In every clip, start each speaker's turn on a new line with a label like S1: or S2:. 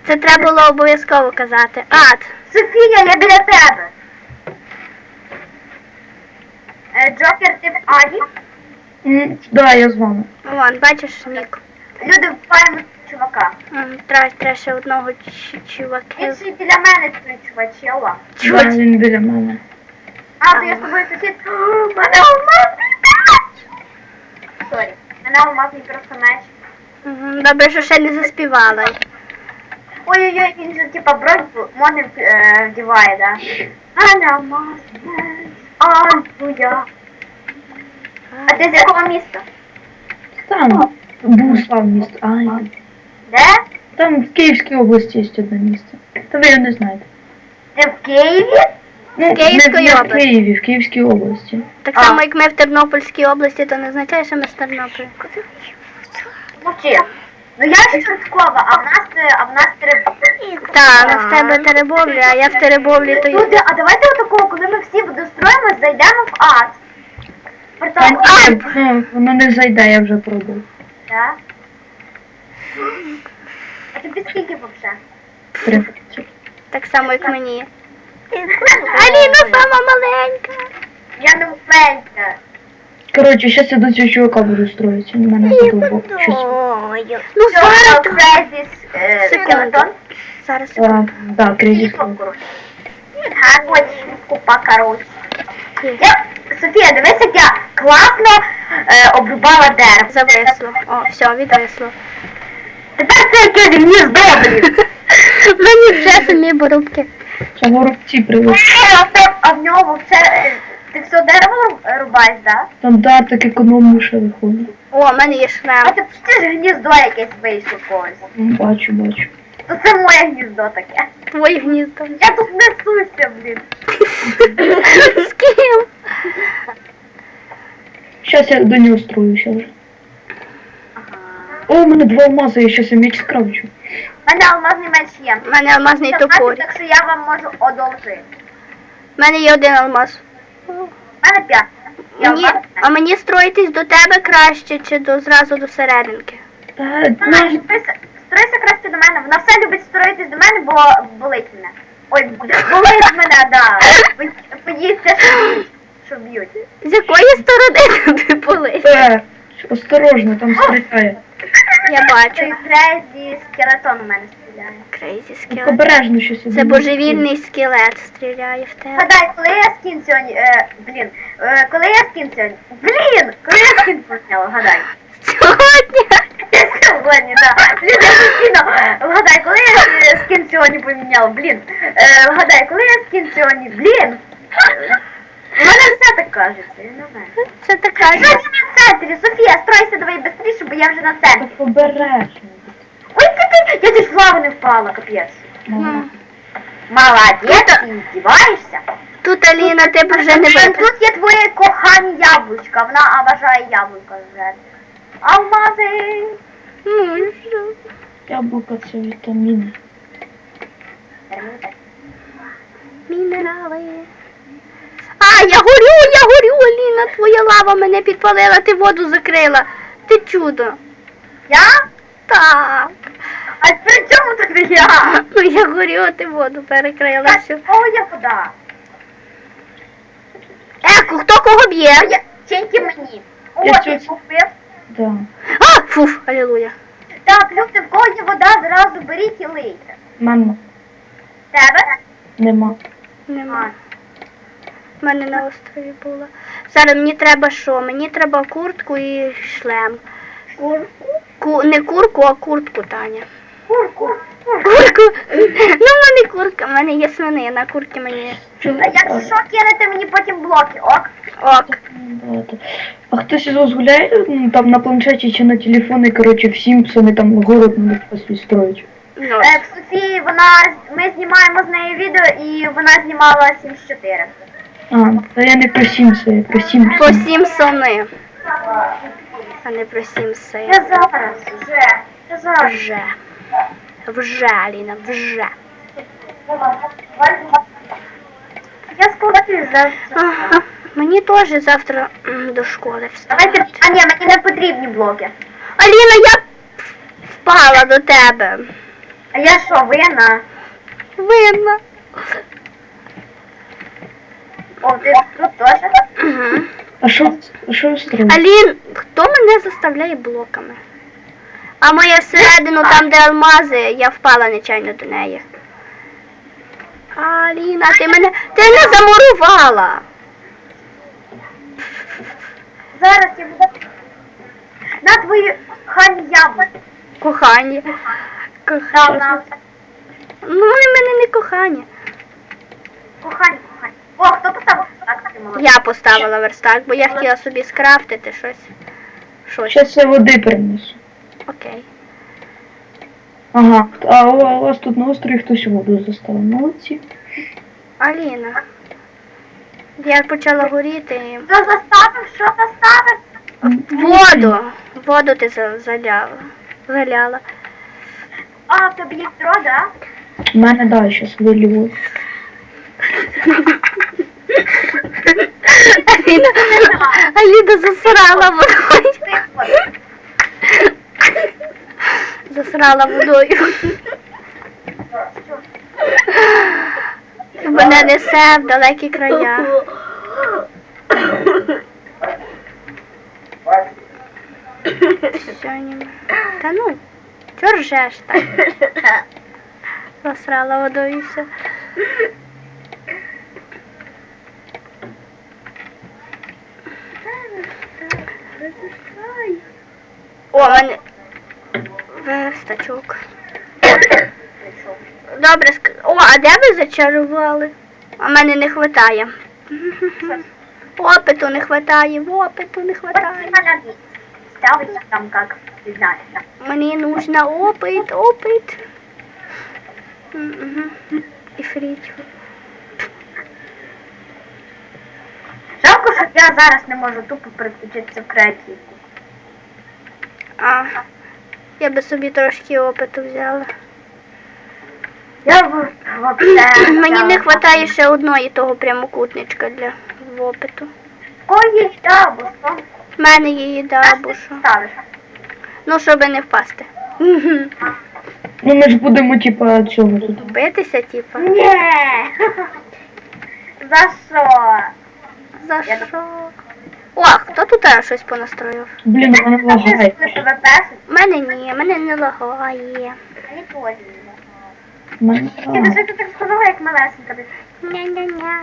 S1: Це треба було обов'язково казати. Ад.
S2: Софія, я біля тебе. Джокер, ти в Аді?
S3: Да, я з вами.
S1: Вон, бачиш, Нік.
S2: Люди вбиваємо чувака.
S1: Треба ще одного
S2: Він
S1: чувака.
S2: ще й біля мене стоїть чувачела.
S3: Да, він біля мене.
S2: А, то я з тобою сусід. Мене алмазний меч! Сорі. Мене алмазний просто меч.
S1: Добре, що ще не заспівала.
S2: Ой-ой-ой, він же типа бронь модним вдіває, да? Мене алмазний меч. Ай, твоя. А ти з якого міста?
S3: Там був слав місто. Ай.
S2: Де?
S3: Там в Київській області є одне місце. Та ви його не знаєте.
S2: Ти в Києві?
S3: Ну,
S1: Київської
S3: не в
S1: області.
S3: Києві, в Київській області.
S1: Так само, як ми в Тернопільській області, то не означає, що ми з Тернополя.
S2: Мовчи. Ну я ж Швидкова, а в нас Теребовля.
S1: Так, в тебе Теребовля, а я в Теребовлі, то
S2: Люди, а давайте отакого, коли ми всі достроїмось, зайдемо в ад.
S3: Та
S2: Портал
S3: ні, ну, воно не зайде, я вже пробував.
S2: Да? А тобі скільки взагалі?
S3: 30.
S1: так само, як мені. Аліна сама маленька.
S2: Я не впевнена.
S3: Коротше, зараз я до цього чувака буду строїтися. На мене подобало.
S1: Ну, зараз.
S2: Крезіс скелетон.
S1: Зараз.
S3: Да, кризис.
S2: Гарно, купа, коротше. Софія, дивись, як я класно обрубала дерево.
S1: Зависло. О, все, відвисло.
S2: Тепер це якесь гніздо, блін.
S1: Мені вже самі борубки.
S3: Це горобці привезли.
S2: А в нього все... Ти все дерево рубаєш, да?
S3: Там да, так економно ще виходить.
S1: О, в мене є
S2: А
S1: шлем.
S2: ти ж гніздо якесь вийшло когось.
S3: Бачу.
S2: То це моє гніздо таке.
S1: Твоє гніздо.
S2: Я тут несуся, блін.
S1: З ким?
S3: Зараз я до нього строюся вже. О, у мене 2 алмази, я щас меч скрафчу.
S2: У мене алмазний меч є.
S1: У мене алмазний топор.
S2: Так що я вам можу одолжити.
S1: У мене є один алмаз.
S2: У мене 5.
S1: А мені строїтись до тебе краще, чи зразу до серединки?
S2: Стройся краще до мене. Вона все любить строїтись до мене, бо болить мене. Ой, болить мене, да. Боїться, що б'ють.
S1: З якої сторони тобі болить?
S3: Осторожно, там стріляє.
S1: Я бачу.
S2: Крезі скелетон у мене стріляє.
S1: Крейзі
S3: Так
S1: скелет.
S3: обережно щось.
S1: Це божевільний скелет стріляє в тебе.
S2: Гадай, коли я скін сьогодні... коли я скін сьогодні... Коли я скін поміняла, гадай.
S1: Сьогодні?
S2: Сьогодні, так. Блін, я постійно... Вгадай, коли я скін сьогодні поміняла, Вгадай, коли я скін сьогодні, У мене все так кажеться, я не знаю.
S1: Це така.
S2: Сьогодні ми в центрі. Софія, стройся давай швидше, бо я вже на центрі.
S3: Так обережно.
S2: Ой, я чуть в лаву не впала, капець. Молодець, ти здіваєшся.
S1: Тут, Аліна, тебе вже не видно.
S2: Тут є твоє кохані яблучка, вона обожає яблука вже. Алмази.
S3: Яблука це вітаміни.
S1: Мінерали. А, я горю, Аліна, твоя лава мене підпалила, ти воду закрила. Ти чудо.
S2: Я?
S1: Так.
S2: А при чому тут я?
S1: Ну я горю, а ти воду перекрила всю.
S2: О, я вода.
S1: Хто кого б'є?
S2: Тільки мені. О,
S3: Я
S2: ти
S3: щось-
S2: купив.
S3: Да.
S1: А, фуф, алілуя.
S2: Так, люди, в кого є вода, зразу беріть і лийте.
S3: Мама,
S2: Тебе?
S3: нема.
S1: Нема. В мене на острові була. Зараз мені треба що? Мені треба куртку і шлем. Не курку, а куртку, Таня.
S2: Курку.
S1: Курку? Ну, в мене курка, в мене є свинина, курки мені є.
S2: А якщо що, кинете мені потім блоки, ок?
S1: Ок.
S3: А хтось із вас гуляє там на планшеті чи на телефоні, коротше, в Сімпсони там город надо построїть.
S1: Ну,
S2: В Софії ми знімаємо з нею відео і вона знімала 74.
S3: А, та я не про Сімпси, я про Сімпсони.
S1: по 7 сони, а не про 7 сей.
S2: Я зараз, вже.
S1: Вже, Аліна, вже.
S2: Я скоро завтра.
S1: Ага. Мені теж завтра до школи встати.
S2: Давайте, а ні, мені не потрібні блоки.
S1: Аліна, я впала до тебе.
S2: А я що, винна?
S1: Винна.
S2: О, ти тут теж?
S1: Угу.
S3: А що ви строїте?
S1: Алін, хто мене заставляє блоками? А моя всередину, там де алмази, я впала нечайно до неї. Аліна, ти не замурувала.
S2: Зараз я буду... На твої хані яблуки.
S1: Кохані.
S2: На.
S1: Ну, вони в мене не кохані.
S2: Кохані. О, хто поставив так? Ти молодець.
S1: Я поставила верстак, бо я хотіла собі скрафтити щось.
S3: Щас я води принесу.
S1: Окей.
S3: Ага, а у вас тут на острові хтось воду заставив. Молодці.
S1: Аліна. Я почала горіти.
S2: Хто заставив? Що заставив?
S1: Воду ти заляла.
S2: А, в тобі є відро, да?
S3: У мене далі щас вилію.
S1: Аліна засрала водою. Засрала водою. Мене несе в далекі края. Сьогодні. Та ну, чого ржеш так? Засрала водою і все. О, мене верстачок. Добре, о, а де ви зачарували? А мене не хватає. Опиту не хватає, опиту не хватає.
S2: Ставить там как, не знаю.
S1: Мені нужна опит. Мгм. І фріч.
S2: Жалко, що я зараз не можу тупо переключитися в креативку.
S1: А, я би собі трошки опиту взяла.
S2: Я вообще...
S1: Мені не вистачає ще одної того прямокутничка для опиту.
S2: Ой, да, бо що?
S1: В мене є їда або що.
S2: Ставиш.
S1: Ну, щоб не впасти.
S3: Ну ми ж будемо типа цього тут.
S1: Битися, типа.
S2: Ні. За що?
S1: За що? О, хто тут щось понастроїв?
S3: Блін, у мене лагає.
S2: Ти тебе песить?
S1: Мене не лагає.
S2: Мені теж не.
S3: У мене
S2: Ти
S3: лагає.
S2: що ти так сказала, як малесенька?
S1: Ня-ня-ня.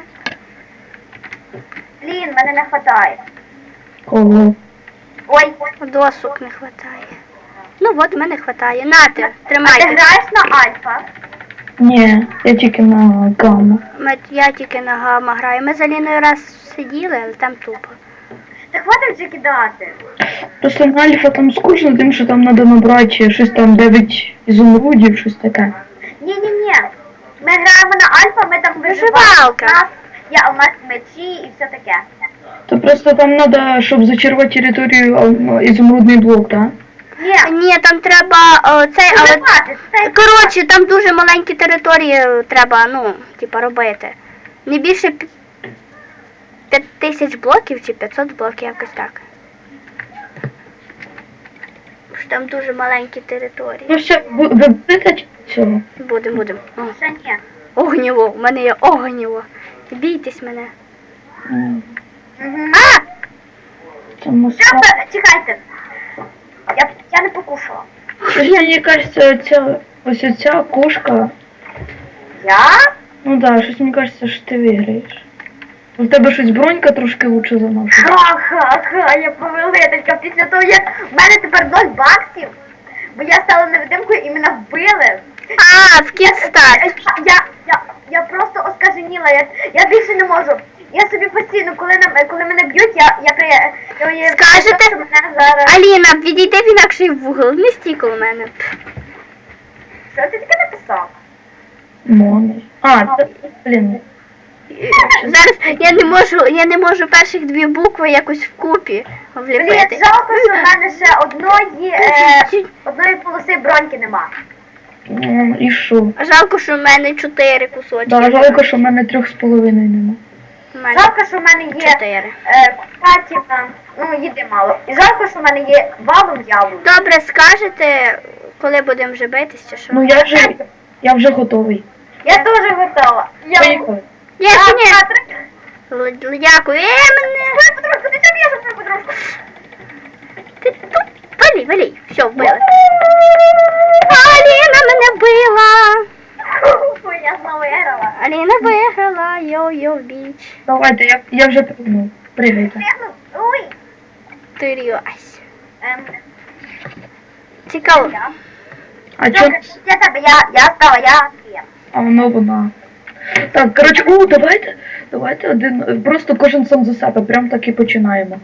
S2: Блін, мене не хватає.
S3: Кого?
S2: Ой,
S1: Досок не вистачає. Ну от, мене вистачає. Нате,
S2: а ти
S1: тримайте.
S2: граєш на альфа?
S3: Ні, я тільки на гамма.
S1: Я тільки на гамма граю. Ми з Аліною раз сиділи, але там тупо.
S2: Та хватить вже кидати.
S3: Просто на альфа там скучно, тим, що там треба набрати щось там 9 ізумрудів, щось таке.
S2: Ні. Ми граємо на альфа, ми там виживаємо.
S1: Виживалка.
S2: У нас є алмаз мечі і все таке.
S3: То просто там треба, щоб зачарувати територію, ізумрудний блок, так?
S2: Ні,
S1: Ні, там треба цей, але...
S2: виживати. Це
S1: Коротше, там дуже маленькі території треба, ну, типа, робити. Не більше 5000 блоків чи 500 блоків, якось так. Що там дуже маленькі території.
S3: Ну все, ви будете цього?
S1: Будемо. О,
S2: ще ні.
S1: огнєво, в мене є огнєво. Бійтесь мене.
S2: А!
S3: Це москва.
S2: Чекайте. Я не покушала.
S3: Мені кажеться, ось ця кошка.
S2: Я?
S3: Ну да, щось мені кажеться, що ти виграєш. У тебе щось бронька трошки лучше за нашу.
S2: Ха-ха-ха, я повелителька. Після того, як в мене тепер 0 баксів, бо я стала невидимкою і мене вбили.
S1: А, в кітстарт.
S2: Я просто оскаженіла, я більше не можу. Я собі постійно, коли мене б'ють, я
S1: Скажете?
S2: що мене зараз...
S1: Аліна, відійди в інакший вугол, не стій коло мене.
S2: Що ти таке написав?
S3: Мони. А, це, блін.
S1: Зараз я не можу перших дві букви якось вкупі
S2: Блін,
S1: вліпити.
S2: жалко, що в мене ще одної полоси броньки нема.
S3: І що?
S1: Жалко, що в мене 4 кусочки.
S3: Да, жалко, що в мене 3,5 нема.
S1: В мене
S2: Жалко, що в мене є
S1: 4.
S2: купатіна, ну їди мало. І жалко, що в мене є валом яблук.
S1: Добре, скажете, Коли будемо вже битись, чи що?
S3: Ну я вже готовий.
S2: Я теж готова.
S3: Поїхали.
S1: Ні, ще ні. Дякую. Мене.
S2: Твою подружку, ти чого б'єш твою подружку?
S1: Ти тут. Валі. Все, вбили. Аліна мене вбила.
S2: Фу, я знову виграла.
S1: Аліна виграла. Йо-йо, біч.
S3: Давайте, я вже пригнув. Пригайте.
S2: Ой.
S1: Тирюсь.
S2: Ем,
S1: Цікаво.
S2: я.
S3: А чо?
S2: Я тебе, я стала, я твоя.
S3: А вона. Так, коротше, давайте один. Просто кожен сам за себе. Прям так і починаємо.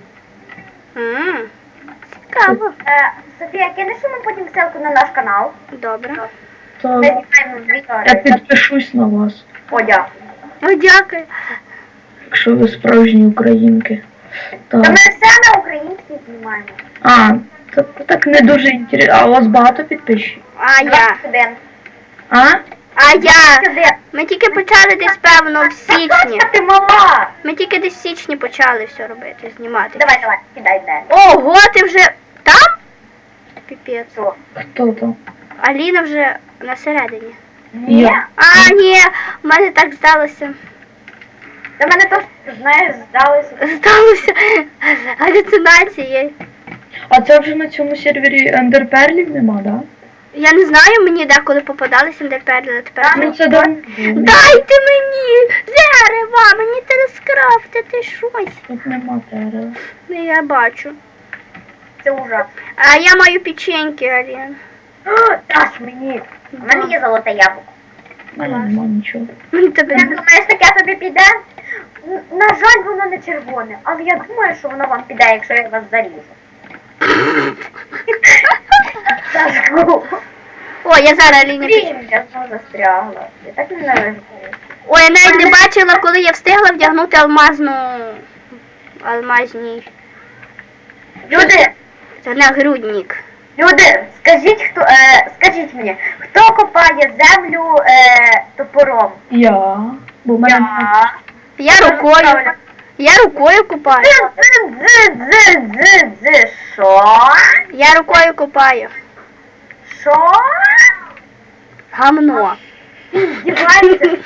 S1: Цікаво.
S2: Софія, кинеш йому потім ссылку на наш канал?
S1: Добре.
S2: Ми
S3: Так,
S2: знімаємо відео.
S3: я підпишусь на вас,
S2: О, дякую.
S1: О, дякую.
S3: якщо ви справжні українки.
S2: Та ми
S3: Так.
S2: все на українській знімаємо.
S3: А, так не дуже інтересно. А у вас багато підписчиків?
S1: А я.
S2: 21.
S3: А?
S1: А я.
S2: 21.
S1: Ми тільки почали десь, певно, в січні.
S2: Ти мала.
S1: Ми тільки десь в січні почали все робити, знімати.
S2: Давай, кидай де.
S1: Ого, ти вже там? Піпець.
S2: Що?
S3: Хто там?
S1: Аліна вже на середині.
S2: Ні.
S3: Я.
S1: А, ні, в мене так здалося.
S2: Та мене теж, знаєш, здалося.
S1: Здалося галюцинації.
S3: А це вже на цьому сервері ендерперлів нема, да?
S1: Я не знаю, мені деколи попадалися ендерперлі, але тепер.
S3: Ну це давно.
S1: Дайте мені дерева, мені треба скрафтити щось.
S3: Тут нема дерева.
S1: Ну, я бачу.
S2: Це ужас.
S1: А я маю печеньки, Алін.
S2: Даш мені. У мене є золоте яблуко.
S3: У мене нема нічого.
S1: Мені тебе
S2: Як думаєш, таке тобі піде? На жаль, воно не червоне, але я думаю, що воно вам піде, якщо я вас заріжу. Сашку.
S1: О, я зараз Аліні печеньки.
S2: Блін, я знову застрягла. Я так ненавижу.
S1: Ой, я навіть не бачила, коли я встигла вдягнути алмазний
S2: Люди,
S1: нагрудник.
S2: люди, скажіть мені, хто копає землю топором?
S3: Я. Бо в мене нема.
S1: Я рукою купаю.
S2: Що?
S1: Я рукою купаю.
S2: Що?
S1: Гамно.
S2: Здіваєтесь?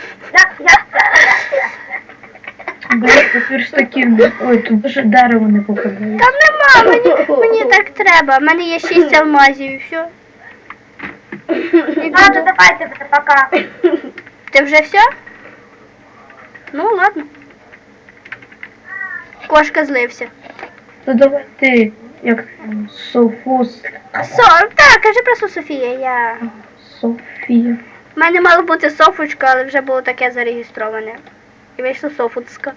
S3: Верстаків. Ой, тут даже дерево не попадає.
S1: Там нема, мені так треба. У мене є 6 алмазів і все.
S2: Ладно, давайте, пока.
S1: Ти вже все? Ну, ладно. Кошка злився.
S3: То давай ти, як там, Софос,
S1: Так, кажи просто Софія, я...
S3: Софія.
S1: У мене мало бути Софочка, але вже було таке зареєстроване. І вийшло Софуцька.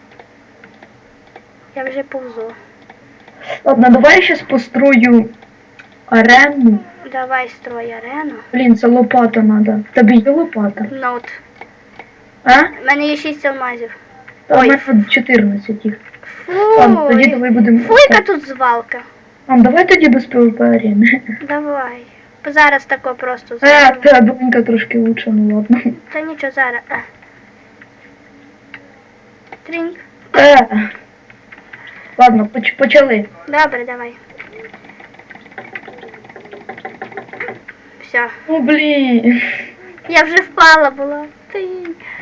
S1: Я вже повзу.
S3: Ладно, давай я щас построю арену.
S1: Давай строй арену.
S3: Блін, це лопата надо. Тебе є лопата?
S1: Ноут.
S3: А?
S1: У мене є 6 алмазів.
S3: Та в
S1: Ой.
S3: мене 14 їх. Ладно, тоді
S1: Фуй.
S3: давай будемо.
S1: Фуйка тут звалка.
S3: Давай тоді без ПВП арени.
S1: Давай. Зараз тако просто
S3: Та донька трошки лучше, ну ладно.
S1: Та нічого, зараз. Тринь.
S3: Ладно, почали.
S1: Добре, давай. Все.
S3: Ну блін.
S1: Я вже впала була. Тринь.